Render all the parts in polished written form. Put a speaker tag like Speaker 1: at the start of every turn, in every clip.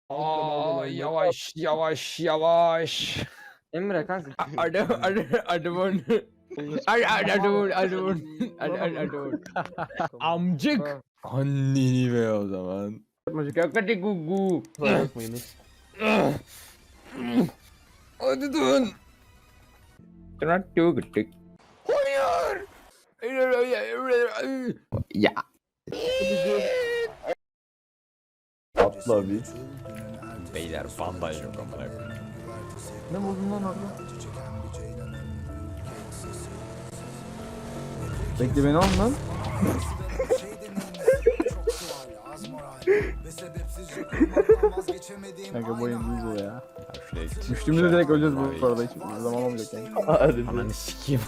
Speaker 1: Aa, yavaş yavaş yavaş.
Speaker 2: Emre kanka.
Speaker 1: Amcık. Anneni be o zaman.
Speaker 2: Hadi gugu.
Speaker 3: Bakmayınız.
Speaker 1: Hadi dön. Hayır.
Speaker 2: Ya.
Speaker 3: Atla bir.
Speaker 1: Beyler bandaj yok amına koyayım.
Speaker 3: Ne buldun lan orada? Bekle beni al lan. Kanka bu oyun değil bu ya. Düştüğümüzde direkt öleceğiz bu arada, hiç zaman olmayacak yani. Hadi.
Speaker 1: Ananı sikeyim.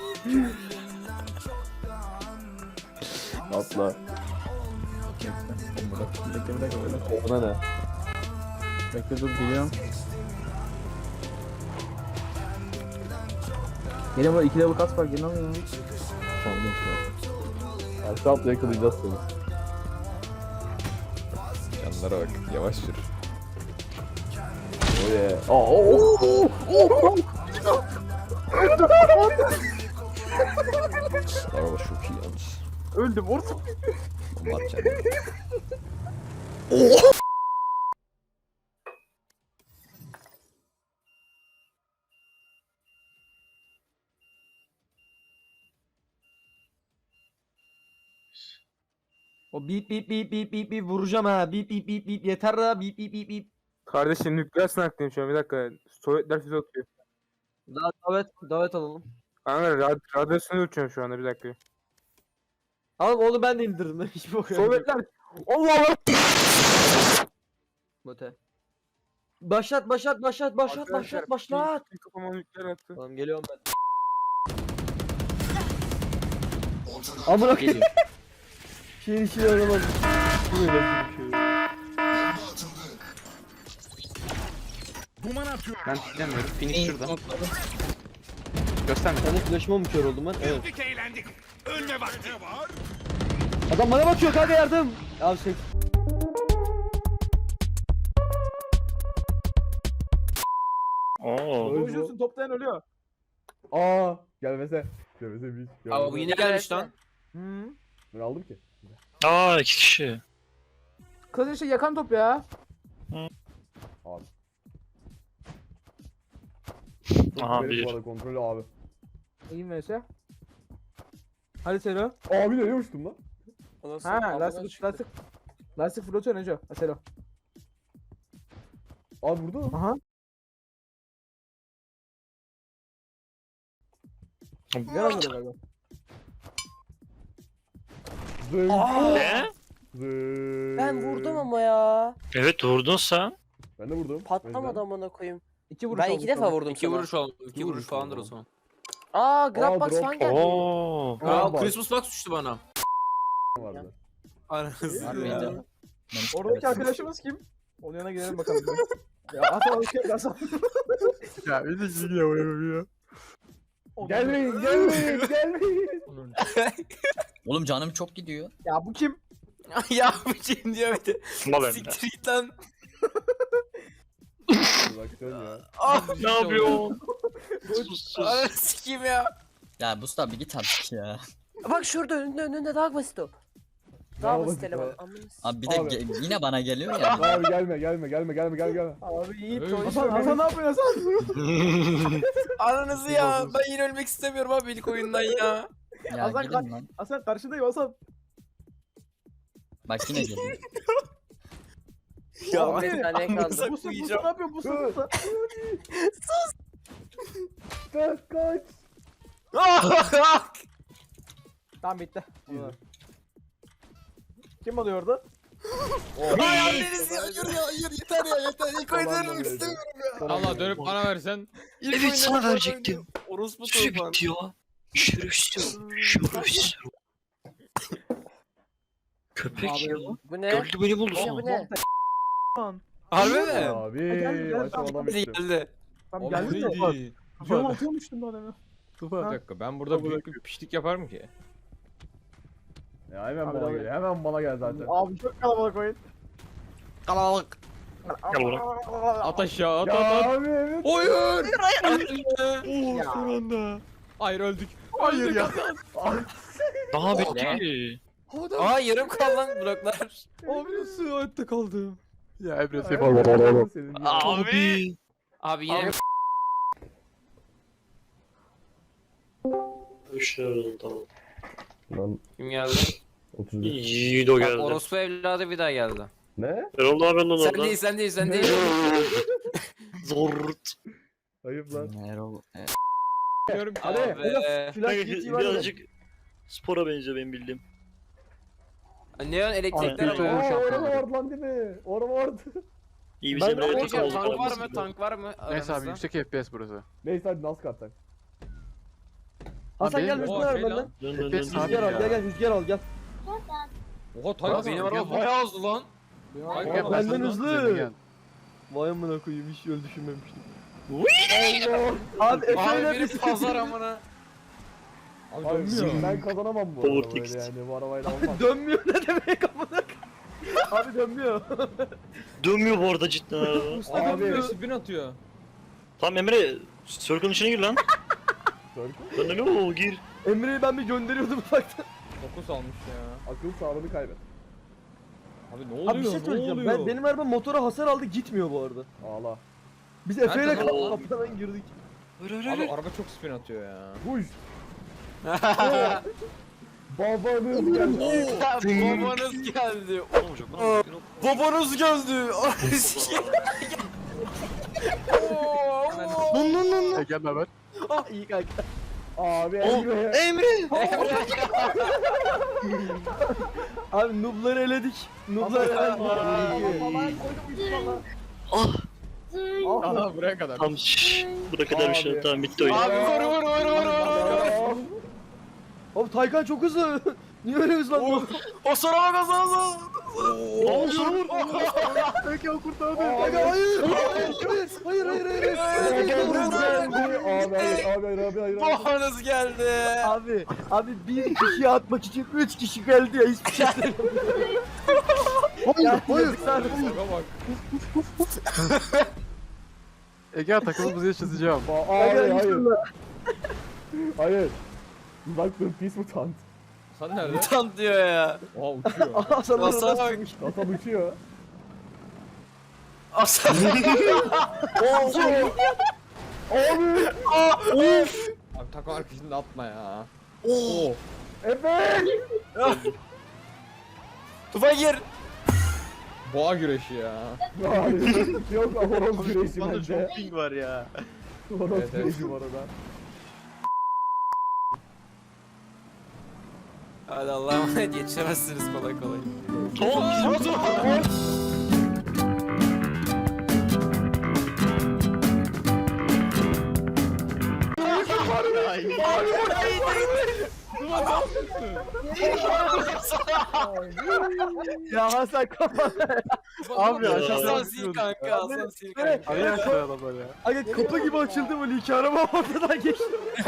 Speaker 3: Atla. Bekle bir dakika böyle. Ona ne? Bekle dur, geliyorum. Geliyorum, böyle 2 level kas var, gelin alın ya. Tamam şu an. Aşağı atla, yakalayacağız seni.
Speaker 1: Canlara bak yavaş yürü.
Speaker 3: Oh yeah. Oh.
Speaker 1: Araba çok iyi yalnız.
Speaker 3: Öldüm orta.
Speaker 1: Bomba atacağım.
Speaker 4: O bip bip bip bip bip bip vuracağım ha. Bip bip bip bip yeter ha. Bip bip bip bip.
Speaker 5: Kardeşim nükleer sınavdayım şu an, bir dakika. Sovyetler füze atıyor.
Speaker 4: Daha davet alalım.
Speaker 5: Kanka radyasyonu uçuyorum şu anda, bir dakika.
Speaker 4: Oğlum onu ben de indirdim. Hiç bok yok.
Speaker 5: Sovyetler! Allah Allah!
Speaker 4: Bote. Başlat.
Speaker 5: Arkadaşlar, kafama nükleer attı.
Speaker 4: Tamam geliyorum ben. Amına koyayım. Şeyin işini aramadım. Bu ne lan bir şey?
Speaker 6: Ben istemiyorum. Finish şurada. Gösterme.
Speaker 4: Senin flash'ıma mı kör oldum ben? Evet. Adam bana bakıyor kanka, yardım. Al şey.
Speaker 3: Öldürsün, toplayan ölüyor. Aa, gelmese. Gelmese bir.
Speaker 7: Aa bu yine gelmiş lan.
Speaker 3: Ben aldım ki.
Speaker 8: Aa 2 kişi.
Speaker 3: Kız işte yakan top ya. Abi.
Speaker 8: Aha
Speaker 3: Benim
Speaker 8: bir.
Speaker 3: bu arada kontrolü abi.
Speaker 4: İyi vs. Hadi Selo.
Speaker 3: Abi nereye uçtum lan?
Speaker 4: Ha lastik flotör Neco. Ha Selo.
Speaker 3: Abi burada mı?
Speaker 4: Aha. Gel abi galiba.
Speaker 3: Zınk.
Speaker 8: Ne?
Speaker 3: Zınk.
Speaker 7: Ben vurdum ama ya.
Speaker 8: Evet vurdun sen.
Speaker 3: Ben de vurdum.
Speaker 7: Patlamadı amına koyayım.
Speaker 4: 2 vuruş
Speaker 7: Ben
Speaker 4: oldu
Speaker 7: 2 defa
Speaker 4: sana.
Speaker 7: vurdum
Speaker 6: İki
Speaker 7: sana.
Speaker 6: vuruş oldu. İki vuruş falandır o zaman.
Speaker 7: Aa Grabbox
Speaker 3: drop.
Speaker 7: falan geldi.
Speaker 8: Oo.
Speaker 3: Aa, bak.
Speaker 6: Christmas box düştü bana.
Speaker 3: Vardı.
Speaker 6: Aranızı
Speaker 7: Harbiden.
Speaker 6: ya.
Speaker 4: Oradaki arkadaşımız kim? Onun yanına gidelim bakalım. Ya Hasan hoş geldin Hasan.
Speaker 3: Ya bir de geliyor ya. Gelmeyin.
Speaker 9: Oğlum canım çok gidiyor.
Speaker 4: Ya bu kim?
Speaker 6: Ya bu kim diyor bir de.
Speaker 8: Mal Emre.
Speaker 6: Siktir git lan.
Speaker 3: Bak sen ya.
Speaker 6: Ah,
Speaker 8: Ne yapıyorsun?
Speaker 6: Ananı sikeyim ya.
Speaker 9: Ya Mustafa bir git artık ya.
Speaker 7: Bak şurada önünde daha basit o.
Speaker 3: Daha
Speaker 7: Daha basit
Speaker 3: basit
Speaker 7: eleman.
Speaker 3: o.
Speaker 7: Amına
Speaker 9: Abi bir de
Speaker 3: Abi.
Speaker 9: yine bana geliyor ya.
Speaker 3: Abi gelme.
Speaker 4: Abi iyi
Speaker 1: Öyle
Speaker 4: to.
Speaker 1: bir şey
Speaker 4: Hasan ne yapıyorsun Hasan?
Speaker 6: Ananızı ya. Ben yine ölmek istemiyorum abi ilk oyundan ya.
Speaker 9: Ya
Speaker 4: Hasan
Speaker 9: gidin lan.
Speaker 4: Hasan karşındayım Hasan.
Speaker 9: Bak yine geliyor.
Speaker 6: Ya
Speaker 7: Bir tane kaldı.
Speaker 6: amınıza
Speaker 4: Musa ne
Speaker 6: koyacağım.
Speaker 4: yapıyor Musa?
Speaker 3: Kaç.
Speaker 4: Tamam bitti. Kim alıyor orada?
Speaker 6: Ay anneniz ya. Hayır yeter ya yeter. İlk oyundan ölmek istemiyorum.
Speaker 1: Allah dönüp bana versen.
Speaker 6: İlk
Speaker 8: Evet
Speaker 6: oyundan
Speaker 8: sana
Speaker 6: ölmek
Speaker 8: verecektim.
Speaker 6: istemiyorum. Orospu
Speaker 8: Süre
Speaker 6: tufan.
Speaker 8: bitti ya. Şerefsiz. Şerefsiz. Köpek ya.
Speaker 7: Bu ne?
Speaker 8: Gördü beni buldu
Speaker 7: Bu ne
Speaker 8: sonra.
Speaker 7: bu ne?
Speaker 6: Harbi mi?
Speaker 3: Abi
Speaker 4: Gel,
Speaker 3: aşamadan
Speaker 6: Bize
Speaker 3: bitti.
Speaker 6: geldi.
Speaker 4: Tamam
Speaker 1: O
Speaker 4: geldi mi?
Speaker 1: neydi?
Speaker 4: Yol atıyormuştum daha demin.
Speaker 1: Bir dakika ben burada büyük bir pişlik yaparım ki.
Speaker 3: Ya hemen
Speaker 4: Abi,
Speaker 3: bana
Speaker 4: abi.
Speaker 3: gel. Hemen bana gel zaten.
Speaker 4: Abi çok kalabalık oyun.
Speaker 6: Kalabalık.
Speaker 8: Gel buraya.
Speaker 1: At aşağı at
Speaker 3: Ya
Speaker 1: at at.
Speaker 3: abi evet.
Speaker 1: Hayır. Oo son anda. Hayır öldük. Hayır ya.
Speaker 8: Daha bitti.
Speaker 6: Aa yarım kalan lan bloklar.
Speaker 1: Abi nasıl hayatta kaldım?
Speaker 3: Ya Emre
Speaker 4: Ay,
Speaker 3: senin.
Speaker 4: ay, senin ya.
Speaker 8: Abi.
Speaker 6: Abi yine
Speaker 8: Tamam.
Speaker 4: Lan
Speaker 6: kim geldi?
Speaker 4: 31.
Speaker 8: Yiğido
Speaker 6: Bak,
Speaker 8: geldi.
Speaker 6: orospu evladı bir daha geldi.
Speaker 4: Ne?
Speaker 8: Erol abi benden
Speaker 6: Sen
Speaker 8: orada.
Speaker 6: değil sen değil sen değil.
Speaker 8: Zort.
Speaker 4: Ayıp lan.
Speaker 9: Erol.
Speaker 1: Diyorum ki.
Speaker 4: Hadi
Speaker 6: Abi.
Speaker 4: biraz flash geçeyim hadi.
Speaker 8: Birazcık spora benziyor benim bildiğim.
Speaker 6: Neon elektrikler
Speaker 3: Ay,
Speaker 6: ama.
Speaker 3: ay.
Speaker 4: Orada vardı lan değil mi? Orada vardı.
Speaker 8: İyi
Speaker 4: Ben
Speaker 8: bizim
Speaker 4: de
Speaker 8: Emre'ye
Speaker 6: Hocam
Speaker 8: takım olduk
Speaker 6: tank var
Speaker 8: aramızda
Speaker 6: mı?
Speaker 8: gibi.
Speaker 6: Tank var mı?
Speaker 3: Neyse abi
Speaker 6: aramızda?
Speaker 3: yüksek FPS burası.
Speaker 4: Neyse hadi NASCAR tak.
Speaker 3: Hasan
Speaker 4: Hasan gel
Speaker 3: benim-
Speaker 4: rüzgar
Speaker 1: O
Speaker 4: al
Speaker 1: şey
Speaker 4: benden.
Speaker 1: lan.
Speaker 8: Dön dön
Speaker 3: FPS
Speaker 8: dön.
Speaker 3: abi.
Speaker 4: Rüzgar al
Speaker 3: ya.
Speaker 4: gel gel rüzgar al gel.
Speaker 1: Oha
Speaker 6: Abi
Speaker 1: Tayga
Speaker 6: benim araba bayağı hızlı lan.
Speaker 1: Tayga
Speaker 3: Gel,
Speaker 1: bak.
Speaker 4: benden
Speaker 3: Hasan,
Speaker 4: hızlı.
Speaker 3: üzerine gel.
Speaker 4: Vay amına koyayım hiç öyle düşünmemiştim. Allah. Abi Efe
Speaker 6: Abi
Speaker 4: ile
Speaker 6: biri
Speaker 4: biz
Speaker 6: pazar amına.
Speaker 1: Abi dönmüyor.
Speaker 4: Ben kazanamam bu
Speaker 8: Power
Speaker 4: arada böyle
Speaker 8: text.
Speaker 4: yani bu arabayla olmaz. Dönmüyor ne demek amına. Abi dönmüyor.
Speaker 8: Dönmüyor bu arada cidden araba.
Speaker 1: Usta dönmüyor. Spin atıyor.
Speaker 8: Tamam Emre, circle'ın içine gir lan. Lan ne o gir.
Speaker 4: Emre'yi ben bir gönderiyordum ufaktan.
Speaker 1: Fokus almış ya.
Speaker 4: Akıl sağlığını kaybet.
Speaker 1: Abi ne oluyor?
Speaker 4: Abi bir şey
Speaker 1: ne
Speaker 4: söyleyeceğim.
Speaker 1: oluyor?
Speaker 4: Benim araba motora hasar aldı gitmiyor bu arada. Ağla. Biz Efe ile
Speaker 1: Nerede lan?
Speaker 4: kapıdan girdik.
Speaker 1: Abi araba çok spin atıyor ya.
Speaker 4: Buş. Babanız geldi.
Speaker 6: Babanız geldi.
Speaker 8: Olmayacak lan.
Speaker 6: Babanız geldi.
Speaker 3: Gel haber.
Speaker 4: Ah iyi kanka. Abi Emre. Abi noob'ları eledik. Noob'ları eledik.
Speaker 1: Aha buraya kadar.
Speaker 8: Tamam şşş. Buraya kadar bir şey.
Speaker 4: Abi.
Speaker 8: Tamam bitti oyun.
Speaker 6: Abi vur.
Speaker 4: Abi Taycan çok hızlı. Niye öyle hızlandın?
Speaker 6: O sonra kazandı.
Speaker 8: Aa sana vur.
Speaker 3: Peki o kurtardı.
Speaker 4: Hayır. Hayır. Abi.
Speaker 6: Babanız geldi.
Speaker 4: Abi bir kişiyi atmak için 3 kişi geldi ya hiçbir şey Hayır.
Speaker 1: Şaka bak.
Speaker 3: Ege takımımızı çözeceğim.
Speaker 4: Hayır. Bak dur pis mutant.
Speaker 1: Sen nerede?
Speaker 6: Mutant diyor ya.
Speaker 1: Oha uçuyor.
Speaker 4: Hasan
Speaker 6: Hasan bak.
Speaker 4: Hasan uçuyor.
Speaker 6: Aslan.
Speaker 1: Abi takım arkasında atma ya.
Speaker 4: Efe!
Speaker 6: Tufa gir.
Speaker 1: Boğa güreşi ya.
Speaker 4: Yok lan horoz güreşi
Speaker 3: Bana
Speaker 4: bence.
Speaker 3: çok ping var ya.
Speaker 4: Horoz
Speaker 1: Evet, evet.
Speaker 4: güreşi bu arada.
Speaker 6: Hadi Allah'a emanet yetişemezsiniz kolay kolay.
Speaker 8: Tamam bizim
Speaker 4: Ya Hasan kapat.
Speaker 3: Abi aşağıda
Speaker 6: Hasan sil kanka. Hasan sil kanka.
Speaker 3: Araya aşağıya adam böyle ya.
Speaker 4: Aga kapı gibi açıldı böyle iki araba ortadan geçti.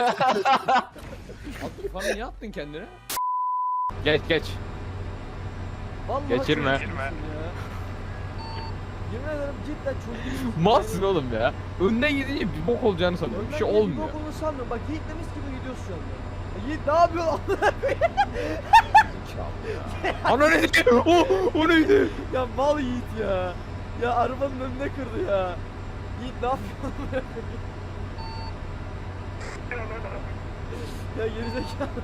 Speaker 1: Bana niye attın kendini? Geç geç.
Speaker 4: Vallahi
Speaker 1: Geçirme.
Speaker 4: çok üzüldüm ya. Yemin ederim cidden çok üzüldüm.
Speaker 1: Malsın oğlum ya. Önden gidince bir bok olacağını sanıyorum. Bir şey
Speaker 4: Önden
Speaker 1: olmuyor.
Speaker 4: bir bok olduğunu sanmıyorum. Bak Yiğit demiş gibi gidiyoruz şu anda. Yiğit ne yapıyorsun?
Speaker 1: Ana neydi? O neydi?
Speaker 4: Ya mal Yiğit ya. Ya arabanın önüne kırdı ya. Yiğit ne yapıyorsun? Ya gerizekalı.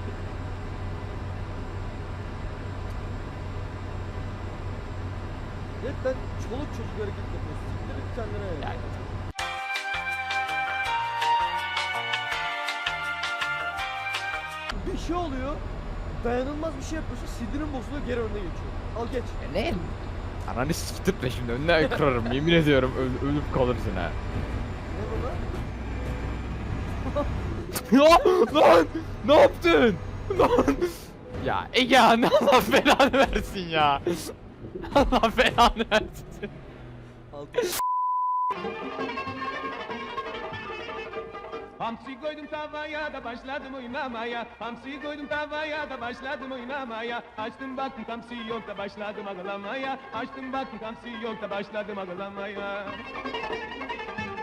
Speaker 4: Cidden çoluk çocuk hareket yapıyorsun. Siktir et kendine ya. Bir şey oluyor. Dayanılmaz bir şey yapıyorsun. Sinirin bozuluyor geri önüne geçiyor. Al geç.
Speaker 1: Ne? Ananı siktirtme şimdi önüne kırarım yemin ediyorum ölüp kalırsın ha.
Speaker 4: Ne bu lan?
Speaker 1: Ya lan ne yaptın? Lan. Ya Ege ne Allah belanı versin ya. Allah belanı versin.
Speaker 4: Altı.
Speaker 1: Hamsi koydum tavaya da başladım oynamaya. Hamsi koydum tavaya da başladım oynamaya. Açtım baktım hamsi yok da başladım ağlamaya. Açtım baktım hamsi yok da başladım ağlamaya.